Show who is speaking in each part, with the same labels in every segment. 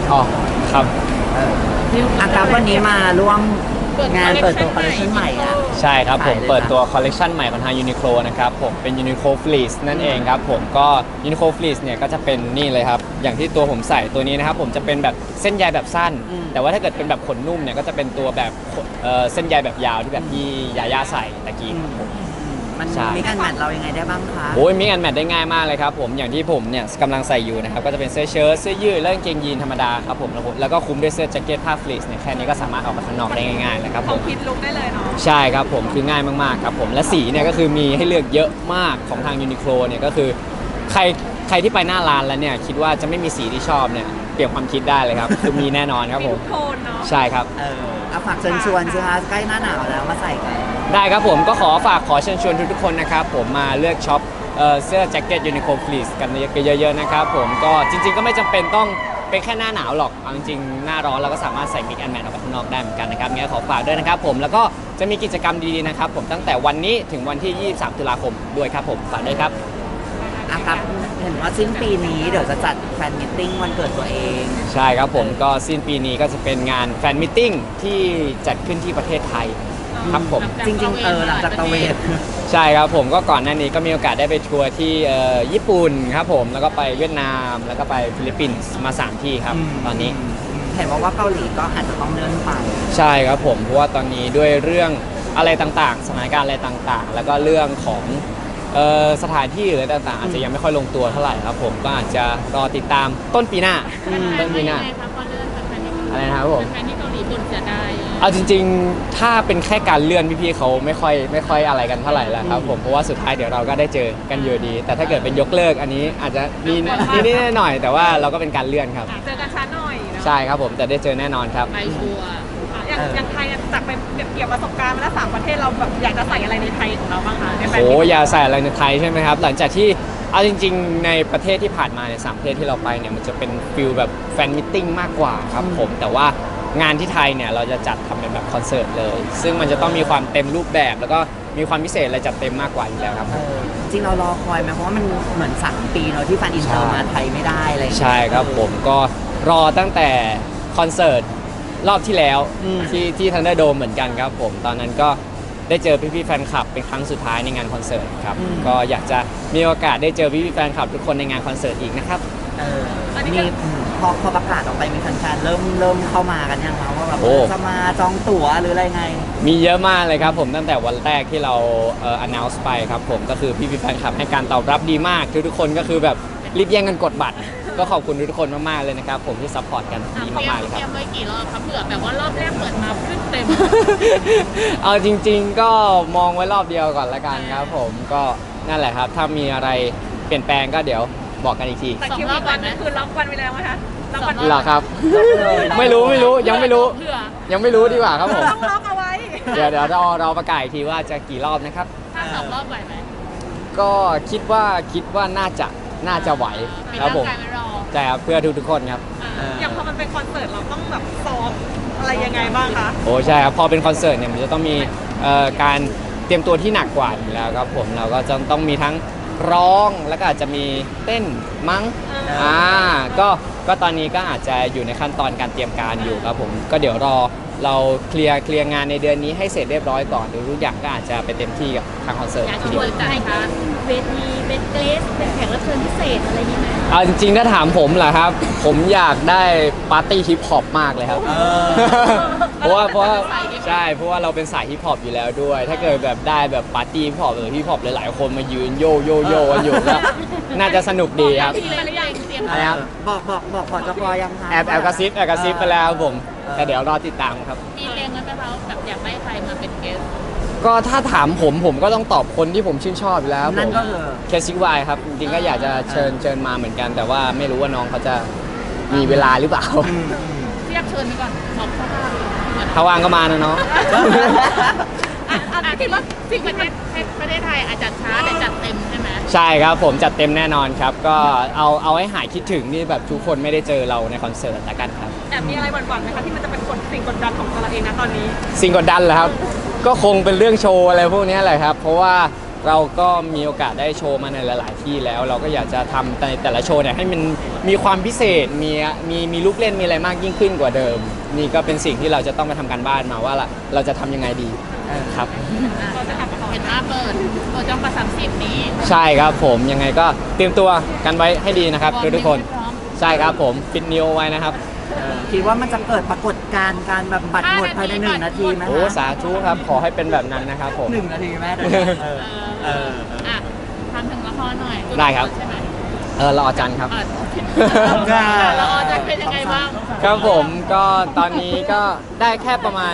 Speaker 1: อ๋อครับ
Speaker 2: อากับวันนี้มาร่วมงานเปิดตัวคอลเลคชันใหม่อ่ะ
Speaker 1: ใช่ครับผม
Speaker 2: ขายเลย
Speaker 1: เปิดตัว
Speaker 2: ค่ะ
Speaker 1: คอลเลกชันใหม่ของทาง Uniqlo นะครับผมเป็น Uniqlo Fleece นั่นเองครับผมก็ Uniqlo Fleece เนี่ยก็จะเป็นนี่เลยครับอย่างที่ตัวผมใส่ตัวนี้นะครับผมจะเป็นแบบเส้นใยแบบสั้น แต่ว่าถ้าเกิดเป็นแบบขนนุ่มเนี่ยก็จะเป็นตัวแบบเส้นใยแบบยาวที่แบบที่ยาย่าใส่ตะกี้ครับผม
Speaker 2: มัน
Speaker 1: ใช่
Speaker 2: มีการแมทเรายังไงได้บ้างคะ
Speaker 1: โอ้ยมิกแอนแมทได้ง่ายมากเลยครับผมอย่างที่ผมเนี่ยกำลังใส่อยู่นะครับก็จะเป็นเสื้อเชิ้ตเสื้อยืดและกางเกงยีนธรรมดาครับผมแล้วก็คลุมด้วยเสื้อแจ็คเก็ตผ้าฟลีซเนี่ยแค่นี้ก็สามารถออกมาข้างนอกได้ง่ายๆแล้วครับผ
Speaker 3: เขา
Speaker 1: ม
Speaker 3: คิดลุกได้เลยเนาะ
Speaker 1: ใช่ครับผมคือง่ายมากๆครับผมและสีเนี่ยก็คือมีให้เลือกเยอะมากของทางยูนิโคลเนี่ยก็คือใครที่ไปหน้าร้านแล้วเนี่ยคิดว่าจะไม่มีสีที่ชอบเนี่ยเปลี่ยนความคิดได้เลยครับคือมีแน่นอนครับ
Speaker 3: มี
Speaker 1: ผ
Speaker 3: ทุ
Speaker 1: ม
Speaker 3: กโทนเนาะ
Speaker 1: ใช่ครับ
Speaker 2: เอาฝากเชิญชวนสิคะใกล้หน้าหนาวแล้วมาใส่กัน
Speaker 1: ได้ครับผมก็ขอเชิญชวนทุกๆคนนะครับผมมาเลือกช็อปเสื้อแจ็คเก็ตยูนิโคลฟลีซกันเยอะๆนะครับผมก็จริงๆก็ไม่จำเป็นต้องเป็นแค่หน้าหนาวหรอกเอาจริงๆหน้าร้อนเราก็สามารถใส่มิกแอนแมทออกไปข้างนอกได้เหมือนกันนะครับงั้นขอฝากด้วยนะครับผมแล้วก็จะมีกิจกรรมดีๆนะครับผมตั้งแต่วันนี้ถึงวันที่ 23 ตุลาคมด้วยครับผมฝากด้วยครับ
Speaker 2: ครับเห็นว่าสิ้นปีนี้เดี๋ยวจะจัดแฟนมิทติ้งวันเกิดตัวเอง
Speaker 1: ใช่ครับผมก็สิ้นปีนี้ก็จะเป็นงานแฟนมิทติ้งที่จัดขึ้นที่ประเทศไทยครับผม
Speaker 2: จริงๆหลังจากตะเวน
Speaker 1: ใช่ครับผมก็ก่อนหน้านี้ก็มีโอกาสได้ไปทัวร์ที่ญี่ปุ่นครับผมแล้วก็ไปเวียดนามแล้วก็ไปฟิลิปปินส์มา 3 ที่ครับตอนนี้
Speaker 2: เห็นว่าเกาหลีก็อาจจะต้องเลื่อนไป
Speaker 1: ใช่ครับผมเพราะว่าตอนนี้ด้วยเรื่องอะไรต่างๆสถานการณ์อะไรต่างๆ แล้วก็เรื่องของสถานที่หรืออะไรต่างๆ อาจจะยังไม่ค่อยลงตัวเท่าไหร่ครับผมก็อาจจะรอติดตามต้นปีหน้าต้นปีหน้า
Speaker 4: ครับพอเลื่อนแฟนๆที่
Speaker 1: อะไรนะครับผม
Speaker 4: แฟนๆที่เกาหลีบ่นเสียดาย
Speaker 1: เอาจริงๆ ถ้าเป็นแค่การเลื่อนพี่ๆเขาไม่ค่อยอะไรกันเท่าไหร่แล้วครับผมเพราะว่าสุดท้ายเดี๋ยวเราก็ได้เจอกันอยู่ดี แต่ถ้าเกิดเป็นยกเลิกอันนี้อาจจะมีนิดๆหน่อยๆแต่ว่าเราก็เป็นการเลื่อนครับ
Speaker 3: เจอกันช้าหน่อยเนาะ
Speaker 1: ใช่ครับผมแต่ได้เจอแน่นอนครับ
Speaker 4: ไปชัวร์
Speaker 3: อย่างไทยจากไปเกี่ยวประสบการณ์มาแล้ว3ประเทศเราแบบอยากจะใส่อะไรในไทยของเราบ้างคะในแฟน
Speaker 1: โอ้
Speaker 3: มิต
Speaker 1: อย่าใส่อะไรในไทยใช่ไหมครับ หลังจากที่เอาจริงๆ ในประเทศที่ผ่านมาใน3ประเทศที่เราไปเนี่ยมันจะเป็นฟิลแบบแฟนมิทติ้งมากกว่าครับผมแต่ว่างานที่ไทยเนี่ยเราจะจัดทำเป็นแบบคอนเสิร์ตเลย ซึ่งมันจะต้องมีความเต็มรูปแบบ แล้วก็มีความพิเศษอะไรจัดเต็มมากกว่าอยู่แล้วครับ
Speaker 2: จริงเรารอคอยไหมเพราะว่ามันเหมือน3 ปีเนาะที่แฟนอินเตอร์มาไทยไม่ได้อะไรอย่างเงี้ย
Speaker 1: ใช่ครับผมก็รอตั้งแต่คอนเสิร์ตรอบที่แล้ว
Speaker 2: อืม
Speaker 1: ที่ทันเดอร์โดมเหมือนกันครับผมตอนนั้นก็ได้เจอพี่ๆแฟนคลับเป็นครั้งสุดท้ายในงานคอนเสิร์ตครับก็อยากจะมีโอกาสได้เจอพี่ๆแฟนคลับทุกคนในงานคอนเสิร์ตอีกนะครับ
Speaker 2: มีพอประกาศออกไปมีแฟนๆเริ่มเข้ามากันยังคะว่าแบบ
Speaker 1: โอ้
Speaker 2: จะมาจองตั๋วหรืออะไรไง
Speaker 1: มีเยอะมากเลยครับผมตั้งแต่วันแรกที่เราannounce ไปครับผมก็คือพี่ๆแฟนคลับให้การตอบรับดีมากทุกๆคนก็คือแบบรีบแย่งกันกดบัตร ก็ขอบคุณทุกๆคนมากๆเลยนะครับผมที่ซัพพอร์ตกันดีมากๆเลย
Speaker 4: เต
Speaker 1: ค
Speaker 4: รีย
Speaker 1: รับ
Speaker 4: มไว้กี่รอบครับเผื่อแบบว่ารอบแรกเปิดมาขึ้นเต็ม
Speaker 1: เอาจริงๆก็มองไว้รอบเดียวก่อนละกันครับผมก็นั่นแหละครับถ้ามีอะไรเปลี่ยนแปลงก็เดี๋ยวบอกกันอีกที
Speaker 3: แต่คิวอีกวันนึงคือล็อกวันไปแล้วไหมคะล็อกวัน
Speaker 1: เหรอครับ ไม่รู้ยังไม่รู้
Speaker 4: เผื่อ
Speaker 1: ยังไม่รู้ดีกว่าครับผม
Speaker 3: ต้องล็อกเอาไว้
Speaker 1: เดี๋ยวเราประกาศอีกทีว่าจะกี่รอบนะครับ
Speaker 4: ถ้า2 รอบไหวไหม
Speaker 1: ก็คิดว่าน่าจะไหว
Speaker 4: เป็น
Speaker 1: ครับ
Speaker 4: ร่าง
Speaker 1: ผม
Speaker 4: กายไม่รอ
Speaker 1: ใช่ครับเพื่อทุกๆคนครับ
Speaker 3: อย่างพอมันเป็นคอนเสิร์ตเราต้องแบบซ้อมอะไรยังไงบ้างคะ
Speaker 1: โอ้ใช่ครับพอเป็นคอนเสิร์ตเนี่ยมันจะต้องมีการเตรียมตัวที่หนักกว่าอยู่แล้วครับผมเราก็จะต้องมีทั้งร้องแล้วก็อาจจะมีเต้นมั้งก็ตอนนี้ก็อาจจะอยู่ในขั้นตอนการเตรียมการอยู่ครับผมก็เดี๋ยวรอเราเคลียร์งานในเดือนนี้ให้เสร็จเรียบร้อยก่อนเดี๋ยวทุกอย่างก็อาจจะไปเต็มที่กับทางคอนเสิร์ต
Speaker 4: อยาก
Speaker 1: ที
Speaker 4: ช
Speaker 1: เดี
Speaker 4: วน
Speaker 1: ยว
Speaker 4: จัดค่ะ
Speaker 5: เวทีเป็นเกรสเป็นแขกรับเชิญพิเศษอะไรอย่างนี้ไหม
Speaker 1: เอาจริงๆถ้าถามผมเหรอครับ ผมอยากได้ปาร์ตี้ฮิปฮอปมากเลยครับ เพราะว่าใช่เพราะว่าเราเป็นสายฮิปฮอปอยู่แล้วด้วย ถ้าเกิดแบบได้แบบปาร์ตี้ฮิปฮอปฮิปฮอปหลายๆคนมายืนโยกันอยู่ก็น่าจะสนุกดีครับ
Speaker 4: ที่เลยหรือยังเตรียม
Speaker 1: อะไรครับ
Speaker 2: บอกจกยังคะ
Speaker 1: แอบกระซิบไปแล้วครับผมแต่เดี๋ยวรอติดตามครับ
Speaker 4: มีเรียงไว้ไหมคะแบบอยากได้ใครมาเป็นเกส
Speaker 1: ก็ถ้าถามผมก็ต้องตอบคนที่ผมชื่นชอบอยู่แล้ว
Speaker 2: นั่นก็คือ
Speaker 1: เคซิวายครับจริงๆก็อยากจะเชิญมาเหมือนกัน แต่ว่าไม่รู้ว่าน้องเขาจะมีเวลาหรือเปล่า
Speaker 4: เรียกเชิญไปก่อนบอกเขาว่า
Speaker 1: ถ้าว่างก็มานะน้อง
Speaker 4: คิดว่าสิ่งประเทศไทยอาจจะช้าแต่จัดเต็มใช่ไหม
Speaker 1: ใช่ครับผมจัดเต็มแน่นอนครับ ก็เอาให้หายคิดถึงนี่แบบทุกคนไม่ได้เจอเราในคอนเสิร์ตละกันครับ
Speaker 3: แต่มีอะไรหวั่นๆไหมคะที่มันจะเป็นสิ่งกดดันของตัวเราเองนะตอนนี้
Speaker 1: สิ่งกดดันเหรอครับ ก็คงเป็นเรื่องโชว์อะไรพวกนี้แหละครับ เพราะว่าเราก็มีโอกาสได้โชว์มาในหลาย ๆ ที่แล้ว เราก็อยากจะทำในแต่ละโชว์เนี่ยให้มันมีความพิเศษมีลูกเล่นมีอะไรมากยิ่งขึ้นกว่าเดิม นี่ก็เป็นสิ่งที่เราจะต้องมาทำการบ้านมาว่าเราจะทำยังไงดีครับ
Speaker 4: เห็นว่าเปิดจองประ30นี้
Speaker 1: ใช่ครับผมยังไงก็เตรียมตัวกันไว้ให้ดีนะครับทุกคน
Speaker 4: พร้อม
Speaker 1: ใช่ครับผมปิดนิวไว้นะครับ
Speaker 2: คิดว่ามันจะเกิดปรากฏการณ์การแบบบัตรหมดภายใน1 นาทีไหม
Speaker 1: โอ้
Speaker 2: คะ
Speaker 1: สาธุครับขอให้เป็นแบบนั้นนะครับผม
Speaker 2: 1 นาทีแม่
Speaker 4: อ่ะทำถึงละครหน่อย
Speaker 1: ได้ครับ
Speaker 4: ใช่ไหม
Speaker 1: รออาจารย์ครับ
Speaker 4: โอเคละครจะเป็นยังไงบ้าง
Speaker 1: ครับผมก็ตอนนี้ก็ได้แค่ประมาณ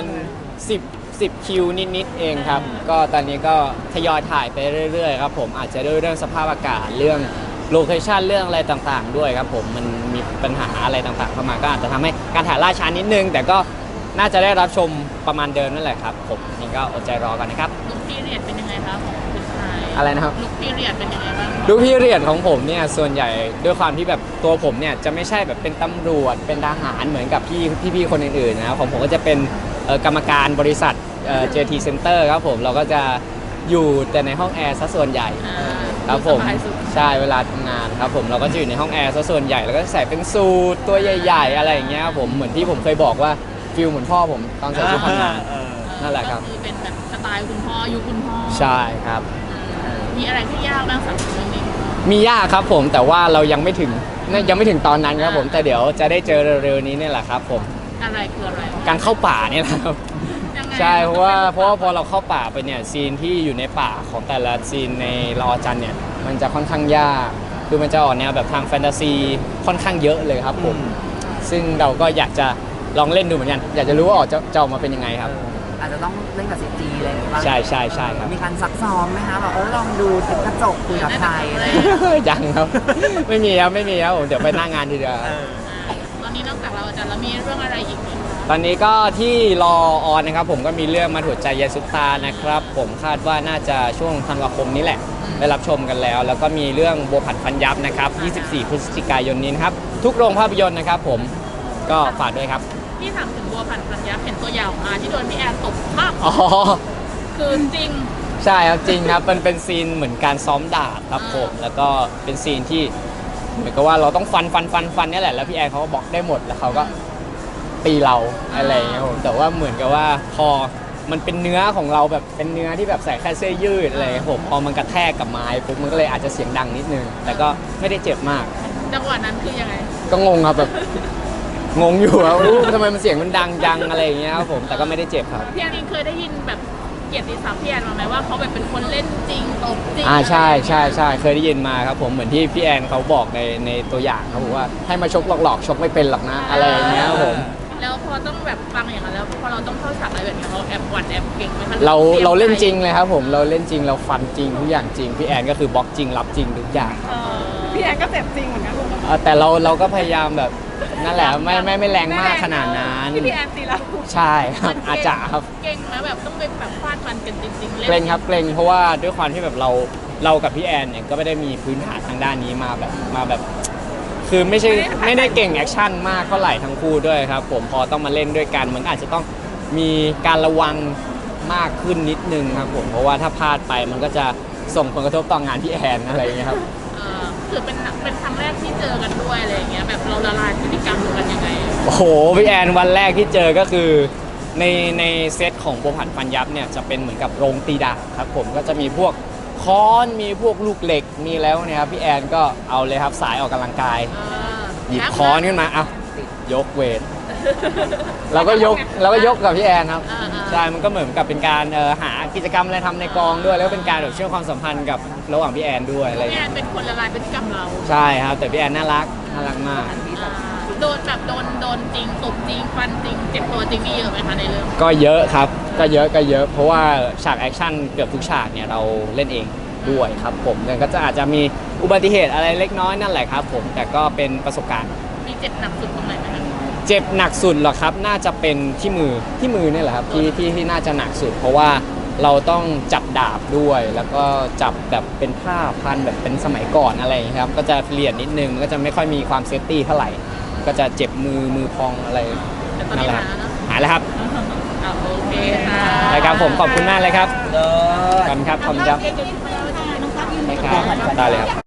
Speaker 1: 10คิวนิดๆเองครับก็ตอนนี้ก็ทยอยถ่ายไปเรื่อยๆครับผมอาจจะด้วยเรื่องสภาพอากาศเรื่องโลเคชันเรื่องอะไรต่างๆ ด้วยครับผมมันมีปัญหาอะไรต่างๆเข้ามาก็อาจจะทำให้การถ่ายล่าช้านิดนึง แต่ก็น่าจะได้รับชมประมาณเดิมนั่นแหละครับผมนี่ก็อดใจรอกันนะครับ
Speaker 4: ลุคพีเรียดเป็นยังไงคะของคุณชาย
Speaker 1: อะไรนะครับ
Speaker 4: ลุคพีเรียดเป็นยังไงบ้าง
Speaker 1: ดูพี่เรียนของผมเนี่ยส่วนใหญ่ด้วยความที่แบบตัวผมเนี่ยจะไม่ใช่แบบเป็นตำรวจเป็นทหารเหมือนกับพี่คนอื่นๆนะครับของผมก็จะเป็นกรรมการบริษัทJT Center ครับผมเราก็จะอยู่แต่ในห้องแอร์ซะส่วนใหญ่ครับผม
Speaker 4: สบายสุด
Speaker 1: ใช่เวลาทำงานครับผมเราก็จะอยู่ในห้องแอร์ซะส่วนใหญ่แล้วก็ใส่เป็นสูทตัวใหญ่ๆอะไรอย่างเงี้ยครับผมเหมือนที่ผมเคยบอกว่าฟิลเหมือนพ่อผมตอนใส่ชุดทำงาน นั่นแหละครับ
Speaker 4: ก็คือเป็นแบบสไตล์คุณพ่อยุคคุณพ่อ
Speaker 1: ใช่ครับ
Speaker 4: มีอะไรที่ยากบ้างสำหรับเรื่องนี้
Speaker 1: มียากครับผมแต่ว่าเรายังไม่ถึงตอนนั้นครับผมแต่เดี๋ยวจะได้เจอเร็วๆนี้เนี่ยแหละครับผม
Speaker 4: อะไรคืออะไร
Speaker 1: การเข้าป่าเนี่ยแหละครับ
Speaker 4: ยังไง
Speaker 1: ใช่เพราะว่าพอเราเข้าป่าไปเนี่ยซีนที่อยู่ในป่าของแต่ละซีนในละออจันทร์เนี่ยมันจะค่อนข้างยากคือมันจะออกแนวแบบทางแฟนตาซีค่อนข้างเยอะเลยครับผมซึ่งเราก็อยากจะลองเล่นดูเหมือนกันอยากจะรู้ว่าจะออกมาเป็นยังไงครับ
Speaker 2: อาจจะต้องเล่นกับ CG อะไรอย่างเงี้ยบ้าง
Speaker 1: ใช่ครับ
Speaker 2: มีการซักซ้อมไหมคะแบบลองดูติดกระจกคุยกับใครอะไรอย่างเงี้ย
Speaker 1: ยังครับ ไม่มีครับผมเดี๋ยวไปหน้างานทีเดียว
Speaker 4: ตอนนี้นอกจากเราอาจารย์แล้วมีเรื่องอะไรอีกไหม
Speaker 1: ตอนนี้ก็ที่รอออนนะครับผมก็มีเรื่องมาถูกใจยายซุปตานะครับผมคาดว่าน่าจะช่วงธันวาคมนี้แหละได้รับชมกันแล้ว แล้วก็มีเรื่องโบวผัดฟันยับนะครับ24 พฤศจิกายนนี้นะครับทุกโรงภาพยนตร์นะครับผมก็ฝากด้วยครับ
Speaker 4: พี่ถามถึงบัวผันพันยักษ์เห็นตัวอย่างออกมาที่โดนพี่แอนตบมาก
Speaker 1: อ๋อ
Speaker 4: คือจริง
Speaker 1: ใช่ครับจริงครับมันเป็นซีนเหมือนการซ้อมดาบครับผมแล้วก็เป็นซีนที่เหมือนกับว่าเราต้องฟันเนี่ยแหละแล้วพี่แอนเขาก็บอกได้หมดแล้วเขาก็ตีเราอะไรอย่างเงี้ยผมแต่ว่าเหมือนกับว่าพอมันเป็นเนื้อของเราแบบเป็นเนื้อที่แบบใส่แค่เสื้อยืดอะไรอย่างเงี้ยผมพอมันกระแทกกับไม้ปุ๊บมันก็เลยอาจจะเสียงดังนิดนึงแต่ก็ไม่ได้เจ็บมาก
Speaker 4: จังหวะนั้นคือยังไง
Speaker 1: ก็งงครับแบบงงอยู่ว่าอู้ทำไมมันเสียงมันดังจังอะไรอย่างเงี้ยครับผมแต่ก็ไม่ได้เจ็บครับ
Speaker 4: พี่แอนเองเคยได้ยินแบบเกียรติศัพท์พี่แอนมาไหมว่าเขาแบบเป็นคนเล่นจริงตบจริง
Speaker 1: ใช่เคยได้ยินมาครับผมเหมือนที่พี่แอนเขาบอกในตัวอย่างเขาบอกว่าให้มาชกหลอกๆชกไม่เป็นหรอกนะอะไรอย่างเงี้ยครับผม
Speaker 4: แล้วพอต้องแบบฟังอย่างนั้นแล้วพอเราต้องเข้าฉากอะไรแบบนี้เราแอบหวั่นแอบเก่งไหมคะ
Speaker 1: เราเล่นจริงเลยครับผมเราเล่นจริงเราฟันจริงทุกอย่างจริงพี่แอนก็คือบล็อกจริงรับจริงทุกอย่าง
Speaker 3: พี่แอนก็เจ็บจริงเหมือนกัน
Speaker 1: แต่เราก็พยายามแบบนั่นแหละไม่แรงมากขนาดนั้น
Speaker 3: ที่พี่แอนตีเรา
Speaker 1: ใช่ครับอาจจะครับ
Speaker 4: เก่งนะแบบต้องไปแบบฟาดฟันกันจริงๆ
Speaker 1: เกรงครับเกรงเพราะว่าด้วยความที่แบบเรากับพี่แอนเนี่ยก็ไม่ได้มีพื้นฐานทางด้านนี้มาแบบคือไม่ได้เก่งแอคชั่นมากเท่าไหร่ทั้งคู่ด้วยครับผมพอต้องมาเล่นด้วยกันมันอาจจะต้องมีการระวังมากขึ้นนิดนึงครับผมเพราะว่าถ้าพลาดไปมันก็จะส่งผลกระทบต่องานพี่แอนอะไรอย่างเงี้ยครับ
Speaker 4: คือเป็นครั้งแรกที่เจอกันด้วยอะไรอย่างเงี้ยแบบเราละลายพฤติกรรมกันยังไง
Speaker 1: โอ้โหพี่แอนวันแรกที่เจอก็คือในเซตของโบวผัดฟันยับเนี่ยจะเป็นเหมือนกับโรงตีดาบครับผมก็จะมีพวกค้อนมีพวกลูกเหล็กมีแล้วเนี่ยครับพี่แอนก็เอาเลยครับสายออกกำลังกายหยิบค้อนขึ้นมาอ่ะยกเวทเราก็ยกกับพี่แอนครับใช่มันก็เหมือนกับเป็นการหากิจกรรมอะไรทำในกองด้วยแล้วก็เป็นการแบบเชื่อมความสัมพันธ์กับระหว่างพี่แอนด้วยอะไรอย่าง
Speaker 4: พี่แอ
Speaker 1: เงี้ย
Speaker 4: นเป็นคนละลายพฤติกรรมเรา
Speaker 1: ใช่ครับแต่พี่แอนน่ารักมาก
Speaker 4: โดนแบบโดนจริงตบจริงฟันจริงเจ็บตัวจริงนี่เยอะไหมคะในเรื่อง
Speaker 1: ก็เยอะครับก็เยอะเพราะว่าฉากแอคชั่นเกือบทุกฉากเนี่ยเราเล่นเองด้วยครับผมแต่ก็จะอาจจะมีอุบัติเหตุอะไรเล็กน้อยนั่นแหละครับผมแต่ก็เป็นประสบการณ์
Speaker 4: มีเจ็บหนักสุดตรงไหนไหมคะ
Speaker 1: เจ็บหนักสุดเหรอครับน่าจะเป็นที่มือเนี่ยแหละครับที่น่าจะหนักสุด เพราะว่าเราต้องจับดาบด้วย แล้วก็จับแบบเป็นผ้าพันแบบเป็นสมัยก่อนอะไรอย่างเงี้ยครับก็จะเปลี่ยนนิดนึงก็จะไม่ค่อยมีความเซฟตี้เท่าไหร่ก็จะเจ็บมือพองอะไร
Speaker 4: แต่ตอน
Speaker 1: นั่น
Speaker 4: นี้
Speaker 1: แหละ
Speaker 4: หายแล้วเนอะ
Speaker 1: หายแล้วครับ
Speaker 4: โอเคค่ะ
Speaker 1: รายการผมขอบคุณมากเลยครับ
Speaker 2: เลิศ
Speaker 1: ขอบคุณครับขอบคุณครับ
Speaker 4: เ
Speaker 2: แก้ผัดกัน
Speaker 1: ได้เลยครับ